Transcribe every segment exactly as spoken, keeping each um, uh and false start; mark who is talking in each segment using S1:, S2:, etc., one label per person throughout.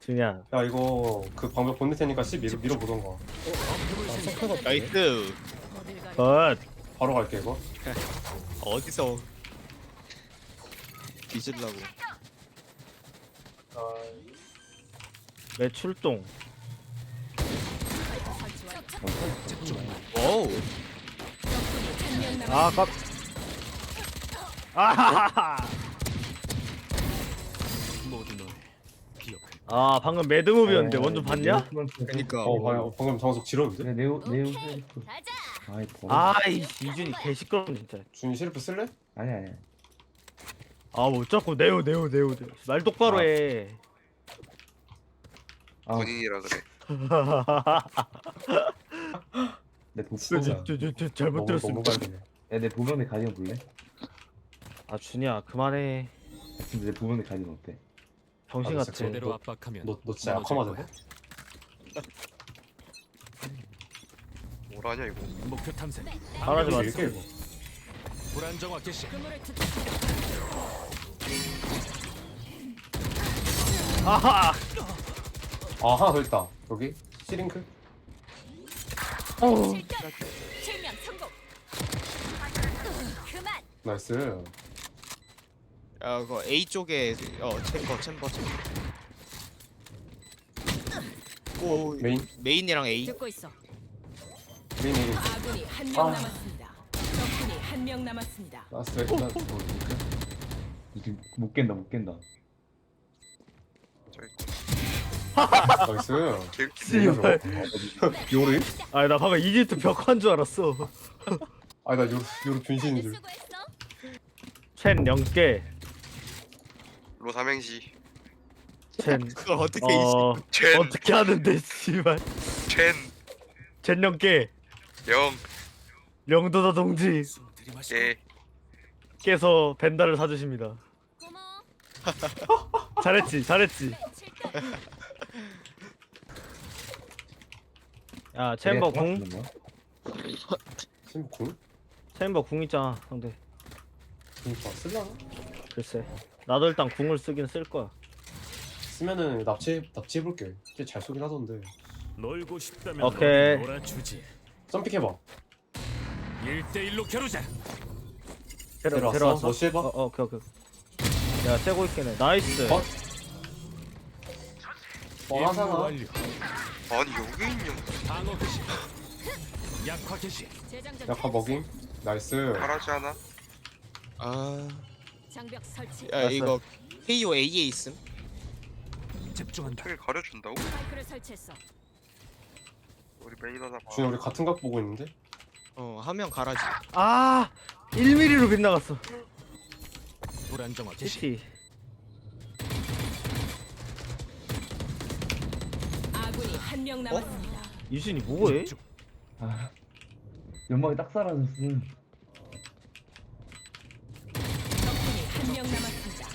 S1: 준이야.
S2: 야 이거 그 방벽 보낼 테니까 C 밀어, 밀어보던가.
S3: 나이스.
S1: 컷.
S2: 바로 갈게 이거.
S3: 어디서 뒤질라고.
S1: 매출동.
S3: 와우.
S1: 아, 깜. 아하하하. 아, 방금 매드무비였는데 원주 봤냐?
S3: 그니까.
S2: 어 봐요. 방금 정석 지렸는데?
S4: 네, 네오 네오 셀프. 아이 버려.
S1: 아이, 이준이 개시끄러워 진짜.
S2: 준이 시리프 쓸래?
S4: 아니 아니.
S1: 아, 뭐 자꾸 네오 네오 네오 네오. 말 똑바로 해.
S4: 아,
S5: 본인이라 그래.
S4: 내 도.
S2: 진짜.
S1: 저, 저, 저, 잘못
S2: 너무
S1: 들었습니다.
S2: 갈리네.
S4: 야, 내 보면의 가디언 볼래?
S1: 아, 준이야, 그만해.
S4: 근데 내 보면의 가디언 어때?
S1: 정신
S2: 아,
S1: 같아.
S2: 진짜
S6: 제대로
S2: 너-
S6: 압박하면
S2: 너, 너 진짜
S6: 무너질
S2: 약화맞아.
S6: 거야.
S5: 뭐라냐 이거.
S6: 목표 탐색.
S1: 말하지 마.
S2: 이렇게 이거.
S6: 불안정화 개시.
S1: 아하.
S2: 아 하나 더 있다. 여기 시링크.
S7: 실명 성공. 그만.
S2: 나이스.
S3: 야, 그거 A 쪽에 어 챔버 챔버 챔버. 오
S2: 메인
S3: 메인이랑 A.
S7: 듣고 있어.
S2: 메인 메인.
S7: 아군이 한 명
S2: 아.
S7: 남았습니다. 적군이 한 명 남았습니다.
S2: 라스트 나 뭐, 이렇게.
S4: 이제 못 깬다 못 깬다.
S5: 저기
S2: 나이스.
S5: 개웃기네.
S1: 씨발.
S2: 요리?
S1: 아니, 나 방금 이집트 벽화인 줄 알았어.
S2: 아니 나 요리 요리 분신인 줄.
S7: 수고했어.
S1: 첸 영계.
S5: 로 삼행시.
S1: 첸.
S3: 그걸 어떻게
S1: 어.
S5: 첸.
S1: 어떻게 하는데 씨발.
S5: 첸.
S1: 첸 영계.
S5: 영.
S1: 영도다 동지.
S5: 예.
S1: 께서 벤다를 사주십니다.
S7: 고마워.
S1: 잘했지, 잘했지. 야, 챔버 궁.
S2: 심쿵?
S1: 챔버 궁 있잖아, 상대.
S2: 그니까 쓸라나?
S1: 글쎄. 나도 일단 궁을 쓰긴 쓸 거야.
S2: 쓰면은 납치 납치해볼게. 진짜 잘 쏘긴 하던데.
S6: 놀고 싶다면
S1: 오케이.
S6: 놀아주지.
S2: 점픽 해봐.
S6: 일 대 일로 겨루자.
S1: 데려,
S2: 데려왔어?
S1: 데려왔어?
S2: 러쉬 해봐.
S1: 어, 어, 오케이, 오케이. 야, 떼고 있긴 해. 나이스.
S2: 어?
S6: 임무
S2: 뻔하잖아.
S6: 완료.
S5: 아니 여기 있냐.
S6: 방어 개시. 약화 개시.
S7: 재장전.
S2: 약화 먹임. 나이스.
S5: 잘하지 않아?
S3: 아.
S7: 장벽 설치.
S3: 야 이거 케이오 A에 있음.
S6: 집중한다.
S5: 책을 가려준다고?
S7: 스파이크를 설치했어.
S5: 우리 메인 하나 봐.
S2: 준이 우리 같은 각 보고 있는데?
S3: 어 하면 가라지.
S1: 아! 일 밀리미터로 빗나갔어.
S6: 불안정화 개시.
S1: 시티.
S7: 아군이 한 명 남았습니다.
S1: 이준이 뭐해?
S6: 집중.
S4: 아, 연막이 딱 사라졌음.
S7: 적군이 한 명 남았습니다.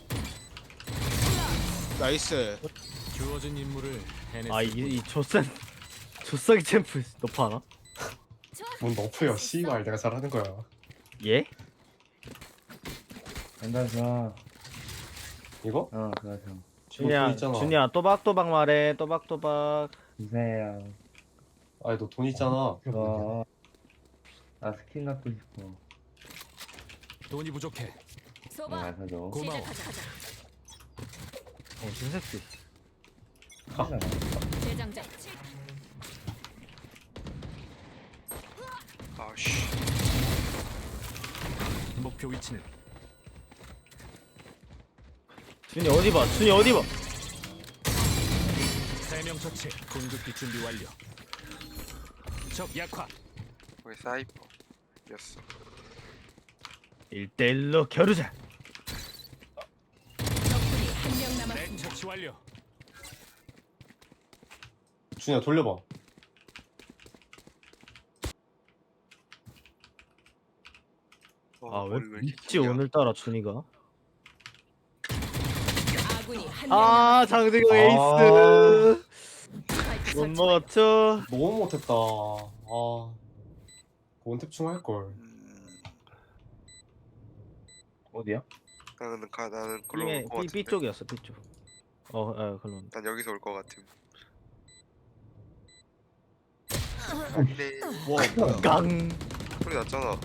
S3: 나이스.
S6: 주어진 임무를 해내.
S1: 아, 이, 이 조센. 조싸기 챔프 너파 하나?
S2: 뭔 너프야. 씨발 내가 잘하는 거야.
S1: 예?
S4: 간다 자.
S2: 이거?
S4: 어, 그거 좀
S1: 준이야,
S2: 있잖아.
S1: 준이야, 또박또박 말해, 또박또박.
S4: 주세요.
S2: 아니 너 돈 있잖아.
S4: 어. 나 스킨 갖고 싶어.
S6: 돈이 부족해.
S4: 어,
S7: 소바.
S4: 안 사줘.
S6: 고마워.
S7: 시작하자. 가자.
S1: 어, 신새끼.
S4: 하잖아.
S7: 재장전.
S5: 아씨.
S6: 목표 위치는
S1: 준이 어디 봐, 준이 어디 봐.
S6: 세 명 처치. 공격기 준비 완료. 적 약화.
S5: 거기 사이퍼. 였어.
S1: 일 대 일로 겨루자.
S7: 적군이 한 명
S6: 넥
S7: 남았습니다.
S6: 처치 완료.
S2: 준이야 돌려봐.
S5: 어,
S1: 아, 왜
S5: 머리 이렇게
S1: 있지,
S5: 기냐?
S1: 오늘따라 준이가?
S7: 아군이 한 명
S1: 아,
S7: 남았습니다.
S1: 장대경
S2: 아.
S1: 에이스.
S7: 스파이크
S1: 못
S7: 설치.
S1: 먹었죠?
S2: 너무 못했다. 아. 원탭충 할걸.
S5: 음,
S4: 어디야?
S5: 나는 가 나는 걸로
S1: 삐,
S5: 올것
S1: 삐,
S5: 같은데.
S1: B 쪽이었어, B 쪽. 어, 에, 그럼.
S5: 난 여기서 올 것 같음. 근데
S3: 와 뭐야?
S1: 깡.
S5: 소리 났잖아.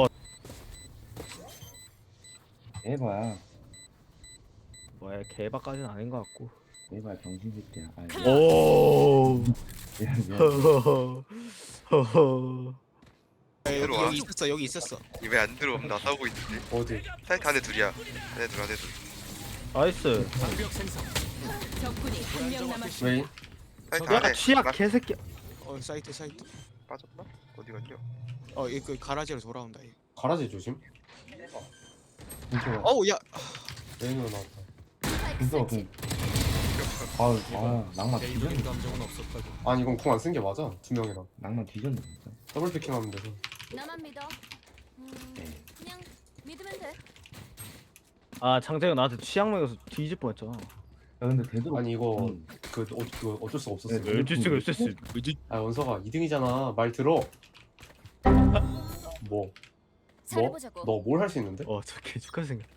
S4: 에바야.
S1: 뭐야, 개박까지는 아닌 것 같고.
S4: 에바야 정신새끼야. 아,
S1: 오.
S4: 미안 미안.
S1: 허허. 허허.
S3: 야, 여기,
S5: 들어와.
S3: 여기 있었어 여기 있었어.
S5: 왜 안 들어오면 나 싸우고 있는데.
S2: 어디?
S5: 사이트 안에 둘이야. 안에 둘 안에 둘.
S1: 나이스.
S6: 방벽 생성.
S7: 적군이 한 명 남았습니다.
S2: 웨인?
S5: 사이트
S1: 야,
S5: 안에.
S1: 취약
S5: 나
S1: 개새끼.
S3: 어 사이트 사이트.
S5: 빠졌나? 어디 갔냐?
S3: 어이그 가라지로 돌아온다. 얘.
S2: 가라지 조심.
S4: 진짜.
S3: 어우 야.
S2: 웨인으로 나왔다.
S4: 진짜 그. 아, 아 낭만
S6: 개인적인
S4: 뒤졌네.
S6: 감정은 없었다고.
S2: 아니 이건 궁 안 쓴 게 맞아. 두 명이랑
S4: 낭만 뒤졌네 진짜.
S2: 더블 피킹하면 돼서.
S7: 나만 믿어. 음, 그냥 믿으면 돼.
S1: 아, 장재가 나한테 취약 먹여서 뒤질 뻔했잖아.
S4: 야 근데 되도록.
S2: 아니 이거
S4: 음.
S2: 그, 어, 그 어쩔 수가 없었어.
S4: 네,
S1: 어쩔 수가 없었어.
S2: 아 원서가 이 등이잖아. 말 들어. 뭐? 뭐?
S7: 잘해보자고.
S2: 너 뭘 할 수 있는데?
S1: 어, 저 개죽한 생겼다.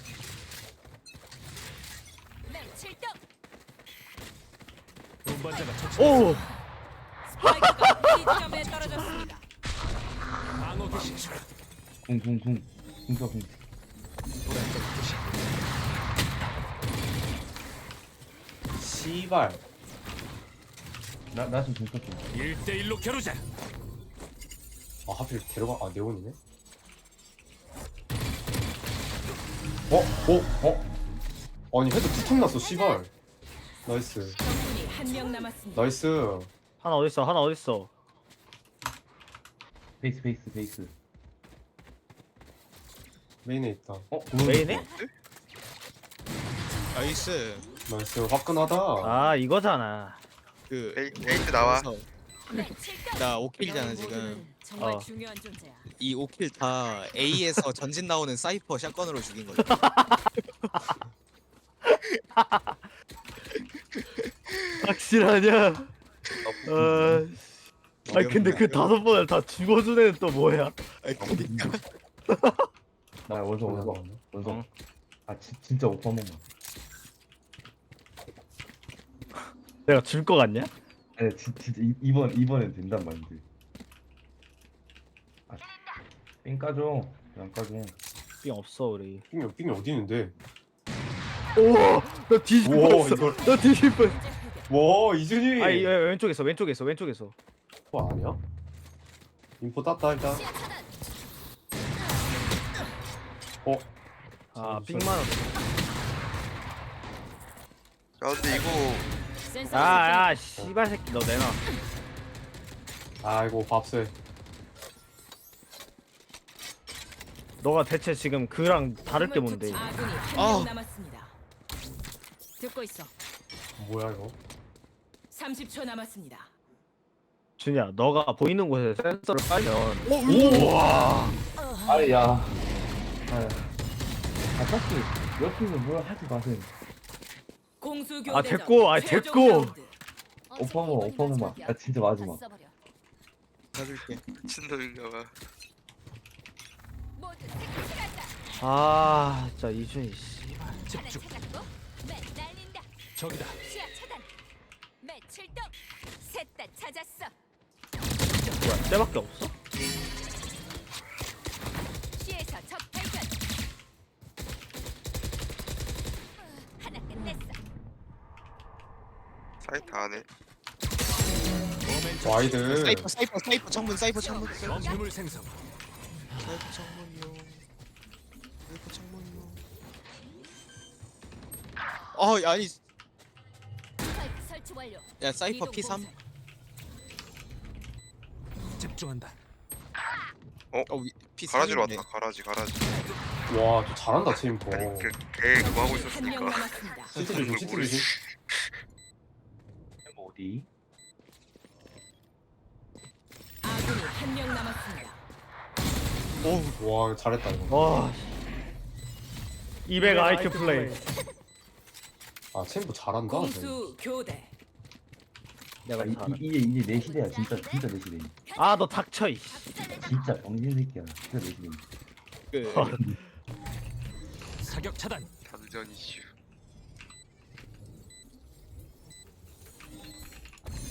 S7: 네, 칠등.
S6: 운반자가 처치.
S1: 오!
S7: 스파이크가 B점에 떨어졌습니다.
S6: 방어 개시.
S4: 궁궁궁 궁서 궁.
S6: 불안정 개시.
S2: 씨발.
S4: 나나 좀 궁서 좀.
S6: 일 대 일로 겨루자.
S2: 아 하필 데려가. 아 네온이네. 어? 어? 어? 아니 헤드 투탕 났어 씨발. 나이스.
S7: 적군이 한 명 남았습니다.
S2: 나이스.
S1: 하나 어딨어? 하나 어딨어?
S4: 베이스 베이스 베이스.
S2: 메인에 있다.
S4: 어?
S1: 메인에?
S3: 나이스.
S2: 나이스. 화끈하다.
S1: 아, 이거잖아.
S3: 그
S5: 에이, 에이트 나와.
S3: 그래서
S7: 네, 칠등.
S3: 나 오 킬이잖아
S7: 너희
S3: 지금.
S7: 모두는 정말
S1: 어.
S7: 중요한 존재야.
S3: 이 오 킬 다 A에서 전진 나오는 사이퍼 샷건으로 죽인 거야.
S1: 확실하냐? 아, 아니 근데 그 다섯 번을 다 죽어준 애는 또 뭐야?
S3: 아이, 그러니까.
S4: 나 원서 원서 원서.
S1: 어.
S4: 아 지, 진짜 오빠 한 번만.
S1: 내가 줄 거 같냐?
S4: 아니 진, 진짜 이, 이번 이번엔 된단 말인데. 아, 삥 까줘. 안 까줘.
S1: 삥 없어 우리.
S2: 삥이 삥이 어디 있는데?
S1: 오, 나 뒤질
S2: 우와,
S1: 뻔했어.
S2: 이걸-
S1: 나 뒤질 뻔.
S7: 문제 해결.
S2: 와 이준이.
S1: 아니 왼쪽에서 왼쪽에서 왼쪽에서.
S2: 뭐 아니야? 인포 땄다 일단.
S7: 시야 차단.
S2: 어?
S1: 아, 삥만 원.
S5: 야 근데 이거
S7: 센서
S1: 아, 야, 씨발 새끼 너 내놔.
S2: 아이고 밥새.
S1: 너가 대체 지금 그랑 다를 게 뭔데?
S7: 아군이 한
S3: 아.
S7: 명 남았습니다. 듣고 있어.
S2: 뭐야 이거?
S7: 삼십 초 남았습니다.
S1: 준이야, 너가 보이는 곳에 센서를 빨면.
S4: 우와. 아야. 아. 아 딱히 옆에서 뭘 하지 마세요.
S7: 공수
S1: 아,
S7: 교대전
S1: 됐고, 아,
S7: 최종
S1: 됐고.
S7: 라운드.
S4: 오빠 한 번, 오빠 한 번만. 아 진짜 마지막.
S3: 해줄게.
S5: 미친놈인가봐.
S7: 모두 색칠한다.
S1: 아, 진짜 이준이 씨발.
S7: 하나
S6: 집중.
S7: 찾았고, 맨 날린다.
S6: 적이다.
S7: 시야 차단. 맨 칠등. 셋 다 찾았어.
S1: 뭐야, 쟤밖에 없어?
S7: 시에서 적 발견. 하나 끝냈어.
S5: 사이트 안에.
S6: 오멘 처치.
S2: 와이드.
S3: 사이퍼 사이퍼 사이퍼 창문 사이퍼 창문 사이퍼
S6: 범위물 생성.
S3: 창문이요. 사이퍼 창문이요. 어 아니
S7: 스파이크 설치 완료.
S3: 야 사이퍼
S7: 이동
S3: 피 삼.
S7: 공세.
S6: 집중한다.
S3: 어 피 삼.
S5: 가라지로 왔다. 가라지 가라지.
S2: 와저 잘한다 체인포.
S5: 아니 그걔 그거 하고
S7: 한 명
S5: 있었으니까.
S7: 남았습니다.
S2: 시트 조심 시트 조심.
S4: 어디?
S7: 아군이 한 명 남았습니다.
S2: 와 잘했다 이거.
S1: 와. 이백 아이큐 플레이.
S2: 아 체인포 잘한다. 쟤.
S7: 공수 교대.
S1: 내가
S4: 아, 이,
S1: 잘해.
S4: 이, 이게 이게 내 시대야. 진짜 진짜 내 시대.
S1: 아, 너 닥쳐 이.
S4: 진짜 정신 새끼야. 진짜 내 시대.
S3: 그
S6: 사격 차단.
S5: 단전 이슈.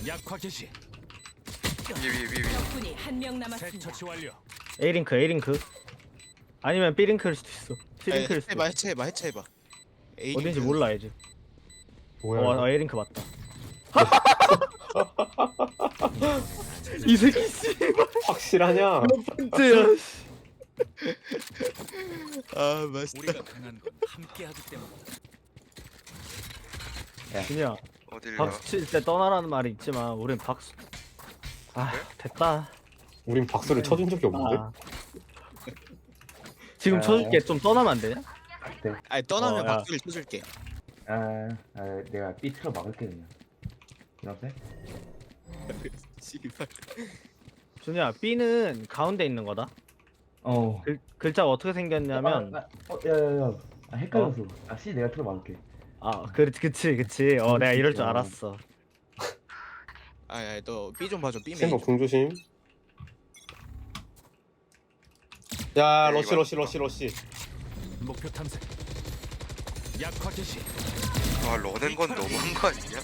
S6: 약화 개시.
S5: 위위위위.
S7: 적군이 한 명
S6: 새
S7: 남았습니다.
S6: 처치 완료.
S1: A 링크 A 링크. 아니면 B 링크일 수도 있어. C
S3: 아니,
S1: 링크일 수도
S3: 해봐
S1: 있어.
S3: 해체해봐 해체해봐. A
S1: 어딘지
S3: 링크.
S1: 몰라 이제.
S2: 뭐야?
S1: 어,
S2: 이거?
S1: 아, A 링크 맞다. 이 새끼 씨발
S2: 확실하냐?
S1: 번째야.
S3: 아 맛있다.
S6: 우리가 강한 건 함께하기 때문이다.
S1: 그냥
S5: 어딜 가?
S1: 박수 칠 때 떠나라는 말이 있지만 우린 박수. 아 됐다.
S2: 우린 박수를 쳐준 적이 없는데?
S1: 아. 지금
S4: 아.
S1: 쳐줄게. 좀 떠나면 안 되냐?
S3: 아니 떠나면
S1: 어, 야.
S3: 박수를 쳐줄게.
S4: 아, 아 내가 B 틀어 막을게 그냥. 이렇게?
S3: 씨발.
S1: 준이야 B는 가운데 있는 거다.
S4: 어.
S1: 글, 글자가 어떻게 생겼냐면
S4: 아, 아, 어, 야야야. 아 헷갈렸어. 아 C 내가 틀어 막을게.
S1: 아 그, 그치 그치 어 내가 이럴 줄 알았어.
S3: 아야 너 B 좀 봐줘. B 메인.
S2: 생각 궁조심. 야
S5: 네,
S2: 러시
S5: 이거
S2: 러시 러시 러시.
S6: 목표 탐색. 약화 개시.
S5: 아 러낸 건 너무한 거 아니냐?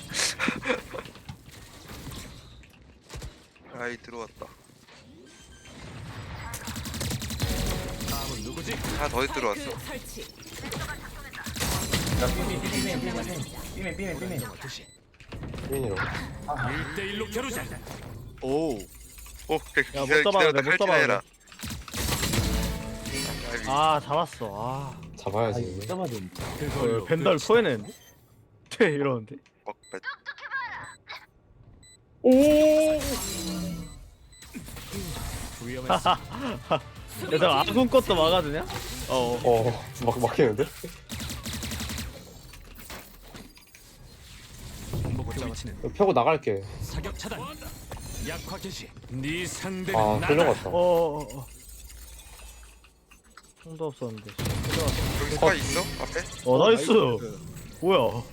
S5: 아이 들어왔다.
S6: 다음은 누구지?
S5: 하나 더 들어왔어.
S7: 스파이크 설치.
S4: 야 B맨 B맨 B맨 B맨 B맨 B맨.
S6: 정화 개시.
S2: 빈이로.
S6: 일 대 일로 겨루자.
S3: 오.
S5: 오, 그
S1: 야, 못
S5: 기다려,
S1: 잡아도
S5: 기다렸다
S1: 돼, 못
S5: 칼질해라.
S1: 아 잡았어. 아
S4: 아
S2: 잡아야지.
S4: 이거 잡아야 돼.
S1: 어, 벤달 토해냈는데? 퇴 이러는데.
S5: 먹bet.
S6: 위험했어.
S1: 얘들아 아군 것도 막아주냐?
S3: 어.
S2: 어막 막히는데?
S6: 목표 위치는
S2: 펴고 나갈게.
S6: 사격 차단. 약화 개시. 네 상대는
S2: 아
S6: 나다.
S2: 끌려갔다.
S1: 어어어. 총도 없었는데.
S5: 여기 스파 있어? 앞에?
S1: 어 나이스.
S3: 나이스.
S1: 뭐야?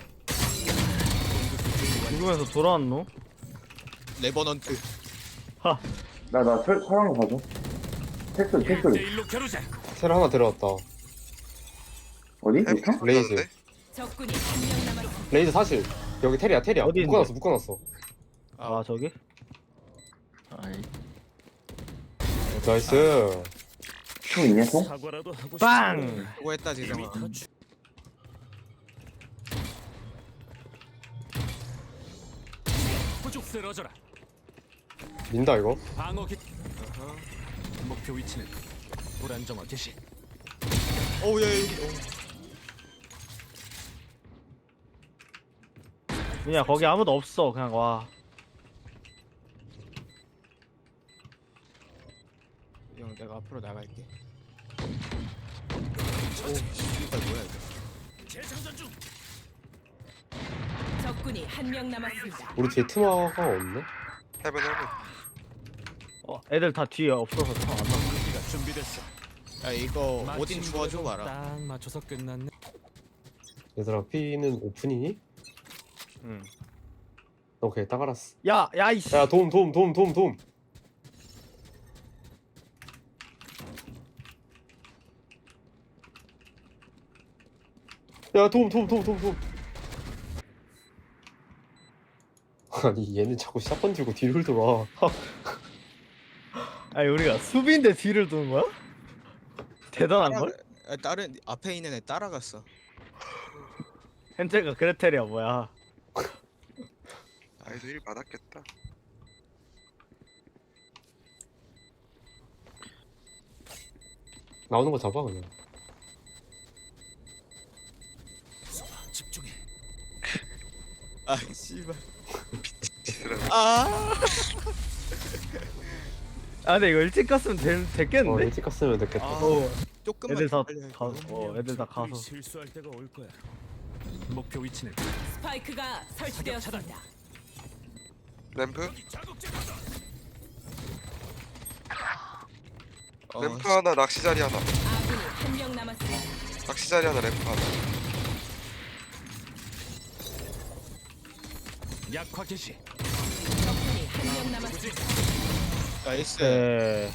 S1: 죽으면서 돌아왔노?
S3: 레버넌트.
S1: 하.
S4: 나나 사랑거 봐줘. 텍스
S6: 일 대 일로 겨루자.
S2: 셀 하나 들어왔다.
S4: 어디?
S5: 해보고
S2: 레이즈.
S5: 싶었는데?
S7: 적군이 한 명 남았습니다.
S2: 레이즈 사실 여기 테리야 테리야.
S1: 어디
S2: 묶어놨어 묶어놨어.
S1: 아 저기?
S2: 나이스.
S4: 총 있냐 총?
S6: 사과라도 하고
S1: 빵!
S3: 수고했다 지성아.
S6: 후죽 쓰러져라.
S2: 민다 이거.
S6: 방어 기. 목표 위치는 불안정화 개시.
S3: 오야 여기.
S1: 그냥 거기 아무도 없어. 그냥 와.
S3: 형 내가 앞으로 나갈게. 오 씨발 뭐야 이거.
S6: 재장전 중.
S7: 적군이 한 명 남았습니다.
S2: 우리 뒤에 트마가 없네.
S5: 해븐 해븐.
S1: 어 애들 다 뒤에 없어서 총안 나.
S6: 기가 준비됐어.
S3: 야 이거 오딘
S6: 마침
S3: 주워줘 봐라.
S6: 딱 맞춰서 끝났네.
S2: 얘들아 P는 오픈이니?
S1: 응.
S2: 오케이 딱 알았어.
S1: 야, 야 이씨.
S2: 야 도움 도움 도움 도움 도움. 야 도움 도움 도움 도움 도움. 아니 얘는 자꾸 샷건 들고 뒤를 돌아.
S1: 아니 우리가 수비인데 뒤를 도는 거야? 대단한 걸?
S3: 아, 다른 앞에 있는 애 따라갔어.
S1: 헨젤과 그레텔이야 뭐야?
S5: 아이도 일 받았겠다.
S2: 나오는 거 잡아 그냥.
S6: 집중해.
S3: 아 씨발.
S5: 비스라.
S3: 아.
S1: 아 근데 이거 일찍 갔으면 되,
S2: 어
S1: 됐겠는데?
S2: 일찍 갔으면 됐겠다.
S3: 아.
S1: 어,
S3: 조금만
S1: 애들 다
S3: 빨리
S1: 가,
S3: 할까?
S1: 어 애들 다 가서.
S6: 실수할 때가 올 거야. 목표 위치는
S7: 스파이크가 설치되었습니다.
S5: 램프?
S3: 어,
S5: 램프 하나, 낚시 자리 하나.
S7: 아군이 한 명 남았습니다.
S5: 낚시 자리 하나, 램프 하나.
S6: 약화 개시.
S7: 적군이 한 명 남았습니다.
S3: 나이스.
S1: 네.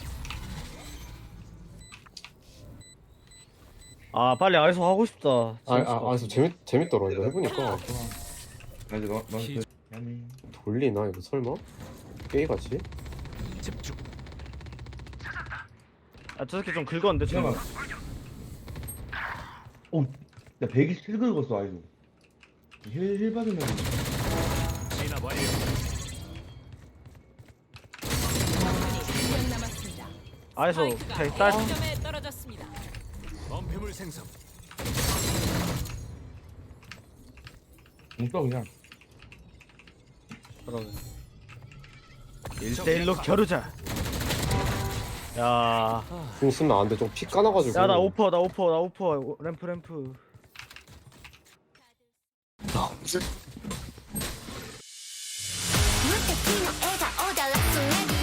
S1: 아 빨리 아이소 하고 싶다.
S2: 아, 아, 아, 재밌 재밌더라 이거 해보니까.
S4: 나 이제 너 너. 미안해.
S2: 돌리나 이거 설마? 게임같이?
S6: 집중.
S1: 아저 새끼 좀 긁었는데 지금.
S4: 잠깐만. 오, 나 백이십칠 긁었어 아이고. 힐, 힐 받으면
S6: 진압 완료.
S7: 한 명 남았습니다.
S1: 아에서
S7: 스파이크가
S1: 백딸.
S7: A점에 떨어졌습니다.
S6: 범패물 생성.
S4: 공써 그냥.
S1: 그러면 일대일로 겨루자. 야,
S2: 궁 쓰면 안돼 좀 피 까나가지고
S1: 야 나 오퍼 나 오퍼 나 오퍼 램프 램프.
S8: 무敵の笑顔でラストネギ